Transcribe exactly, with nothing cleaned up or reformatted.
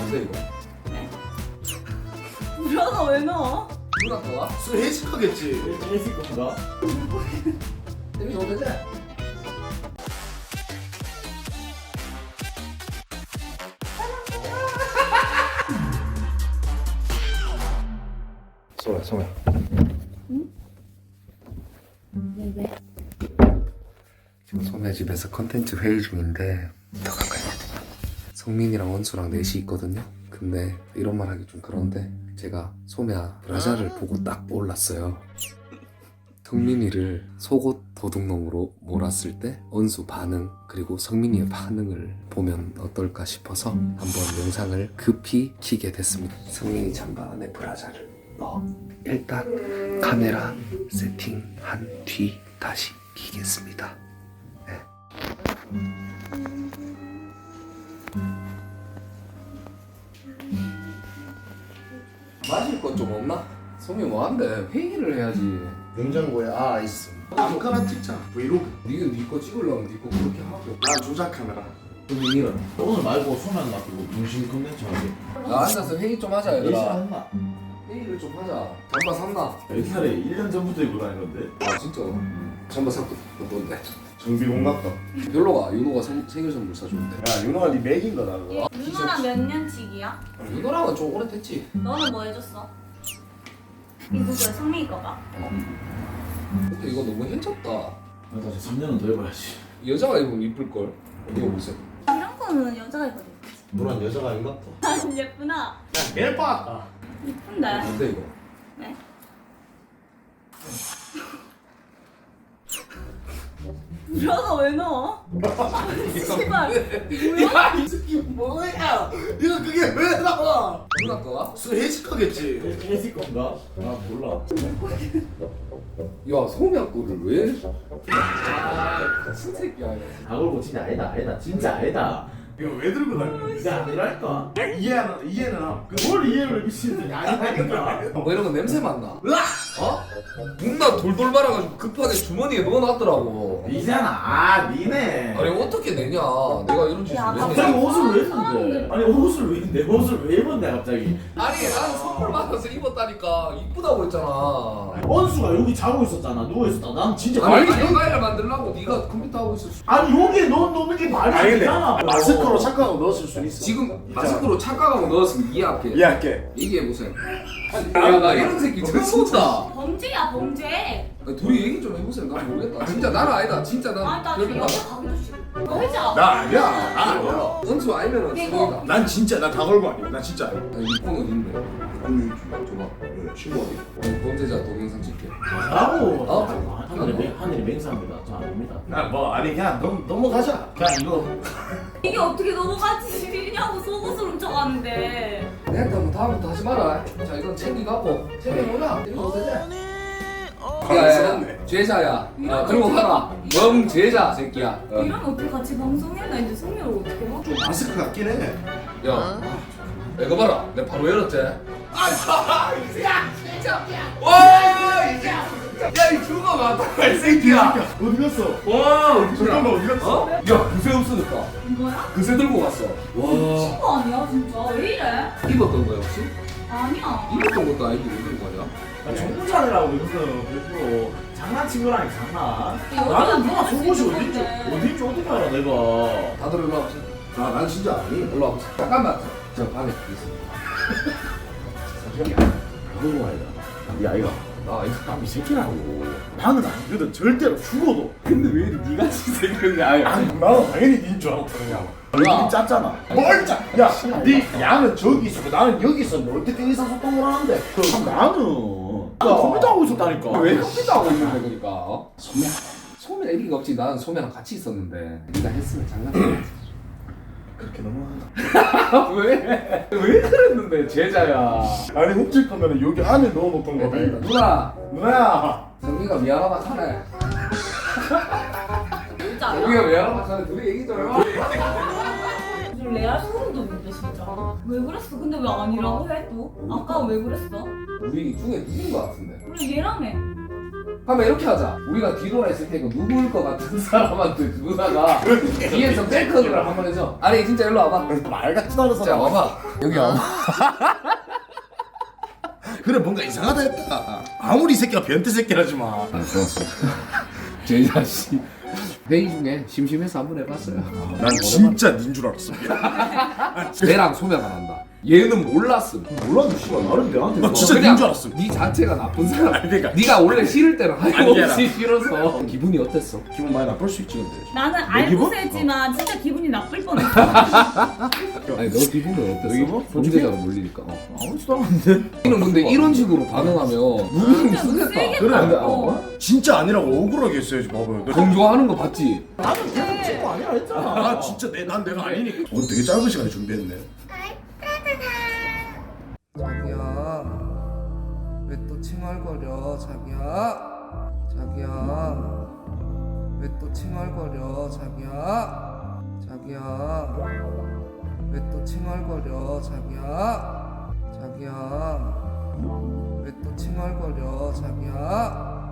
뭔데 이거? 브라가 왜 넣어? 누나 거야? 술 해식하겠지. 해질 건가? 데미 좀 되지? 소야 소야. 응? 왜 왜? 지금 소매 집에서 컨텐츠 회의 중인데 더 가까이 와. 성민이랑 원수랑 넷이 있거든요. 근데 이런 말 하기 좀 그런데 제가 소매야 브라자를 보고 딱 몰랐어요. 성민이를 속옷 도둑놈으로 몰았을 때 원수 반응 그리고 성민이의 반응을 보면 어떨까 싶어서 한번 영상을 급히 키게 됐습니다. 성민이 잠바 안에 브라자를 넣어 일단 카메라 세팅한 뒤 다시 키겠습니다. 네. 마실 것 좀 없나? 성민 뭐한대? 회의를 해야지. 냉장고에 아이스. 아무거나 찍자. 브이로그. 니는 니거 찍으려면 니거 그렇게 하고. 난 조작 카메라. 성민이는? 오늘 말고 소면 맡기고 중심 컨텐츠 하게. 나 앉아서 회의 좀 하자 예시 얘들아. 한다. 회의를 좀 하자. 잠바 샀나? 옛날에 일 년 전부터 입고 다니는데. 아 진짜? 잠바 샀고 뭔데? 정비공 같다. 별로가 윤호가 생, 생일 선물 사줬는데. 야 윤호가 네 맥인 거다 그거. 누나랑 몇 년치기야? 윤호랑은 좀 오래됐지. 너는 뭐 해줬어? 이거 왜 성민이 거가? 근데 이거 너무 해졌다. 나 다시 삼 년은 더 해봐야지. 여자가 입으면 이쁠걸. 이거 보세요. 이런 거는 여자가 입어도 예쁘지. 너란 여자가 아닌가 봐. 아 예쁘나? 멜 빠았다. 이쁜데? 뭔데 이거? 네? 브라가 왜 넣어? 씨발 뭐야? 이 새끼 뭐야? 이거 그게 왜 나와? 누나 거야? 술 해식하겠지. 해질 건가? 아 몰라. 야 소면 거를 왜? 아 같은 새끼야 이거. 아 그리고 진짜 아니다 아니다 진짜 아니다. 이거 왜 들고 다녀? 이게 아니랄까? 이해는 이해는 함. 뭘 이해를 미친듯이 아니라니까. 뭐 이런 거 냄새 맡나? 어? 문나 돌돌 말아가지고 급하게 주머니에 넣어놨더라고. 니잖아. 아 니네. 아니 어떻게 내냐? 내가 이런 짓을 야, 왜 갑자기 내? 옷을 왜 입는데? 아니 옷을 왜 내 옷을 왜 입었냐 갑자기? 아니 나는 선물 받아서 입었다니까 이쁘다고 했잖아. 원수가 여기 자고 있었잖아 누워 있었다. 난 진짜 아니 말이 영화를 만들려고 네가 컴퓨터 하고 있었어. 아니 여기에 넣 넣는 게 말이 아니 근데 되잖아. 마스크로 착각하고 넣었을 수 있어. 지금 마스크로 착각하고 넣었으면 이해할게. 이해할게. 얘기해 보세요. 야나 이런 새끼 처음 본다. 범죄야 범죄. 아니, 둘이 얘기 좀 해보세요. 난 모르겠다. 진짜 나는 아니다. 진짜 난. 아니 나 지금 여자 가기도 싫어. 너 해자. 나 아니야. 나 아니야. 원수 아니면은 이거. 소이다. 난 진짜 나 다 걸고 아니야. 나 진짜 아니야. 아니 이폰 어딘데? 아니 줘봐. 친구 어디? 어, 범죄자 동영상 찍게. 라고 어? 하늘이 맹 하늘이 맹세합니다. 저 아닙니다. 나뭐 아니 그냥 넘 넘어가자. 그냥 이거 이게 어떻게 넘어가지냐고 속옷을 훔쳐가는데. 내가 뭐 다음부터 하지 마라. 자 이건 챙기가고 챙겨보자. 이거 되지? 야야야 죄자야. 어, 그리고 가라. 멍 죄자 새끼야. 어. 이러면 어떻게 같이 방송해야 나 이제 성민을 어떻게 해? 좀 마스크 같긴 해. 야, 이거 봐라. 내가 바로 열었지. 아, 야, 진짜. 와, 이제. 야, 이 죽어 맞다, 이 새끼야. 어디 갔어? 와, 잠깐만 어디 갔어? 어? 야, 그새 없으니까. 뭐야? 그새 들고 갔어. 와. 미친 거 아니야 진짜? 왜 이래? 입었던 거야 혹시? 아니야. 입었던 것도 아니고 왜 들고 가냐? 정부자라고 이거는 일부러 장난친 거라니 장난. 여자가 나는 누가 그럴 수 속옷이 있는 어딘지 건데. 어딘지 어떻게 알아 내가. 다들 일로 와보세요. 아, 난 진짜 아니. 일로 와보세요. 잠깐만. 저 방에 있습니다. 잠시만요. 그런 거 아니다. 이 아이가 아, 이거. 남이 새끼라고. 나는 아니거든 절대로 죽어도. 근데 왜 니가 생겼냐? 아니 나는 당연히 니인 줄 알았다 그냥. 얼굴이 짰잖아. 뭘 짜? 야, 네 양은 저기 있었고 나는 여기 있었는데 어떻게 의사소통을 하는데? 참 나는 나는 컴퓨터 하고 있었다니까. 왜 컴퓨터 하고 있는데 그러니까? 어? 소면. 소면 애기가 없지. 나는 소면랑 같이 있었는데. 네가 했으면 장난치지. 그렇게 넘어간다. 왜? 왜 그랬는데 제자야. 아니 훔칠 거면 여기 안에 넣어놓던 거다. 이거. 누나. 누나야. 성미가 미안하다 하네. 진짜. 성미가 미안하다 하네. 둘이 얘기 좀 해봐. 좀 레알 소름도 돋네 진짜. 왜 그랬어? 근데 왜 아니라고 해 또? 아까 왜 그랬어? 우리 중에 누군 거 같은데. 우리 얘라며. 그러면 이렇게 하자. 우리가 뒤돌아 있을 테니까 누구일 것 같은 사람한테 누나가 뒤에서 백허그를 한번 해줘. 아니 진짜 일로 와봐. 말 같지도 않은 자 사람. 와봐. 여기 와봐. 그래 뭔가 이상하다 했다. 아무리 이 새끼가 변태 새끼라지만. 아 좋았어. 제 자식 회의 중에 심심해서 한번 해봤어요. 난 진짜 닌 줄 알았어. 내랑 소매가 난다. 얘는 몰랐음. 몰라도 씨발 나름 내한테 나 뭐- 진짜 그냥 닌 줄 알았어. 네 자체가 나쁜 사람. 아니, 그러니까. 네가 원래 싫을 때는 아니야. 하염없이 싫어서. 기분이 어땠어? 기분 많이 나쁠 수 있지 근데. 나는 기분? 알고 했지만 진짜 기분이 나쁠 뻔했어. 아니 너 기분은 어땠어? 너 기분? 범죄자로 몰리니까. 어. 아무렇지도 않은데. 이는 근데 이런 식으로 반응하면 누구는 진짜 쓰겠다. 세겠다. 그래. 근데 어. 어? 진짜 아니라고 억울하게 했어야지 봐봐요. 너- 동조하는 거 봤지? 나는 계속 친구 아니야 했잖아. 아 진짜 내, 난 내가 아니니까. 오늘 되게 짧은 시간에 준비했네. 자기야 왜 또 칭얼거려 자기야 자기야 왜 또 칭얼거려 자기야 자기야 왜 또 칭얼거려 자기야 자기야 왜 또 칭얼거려 자기야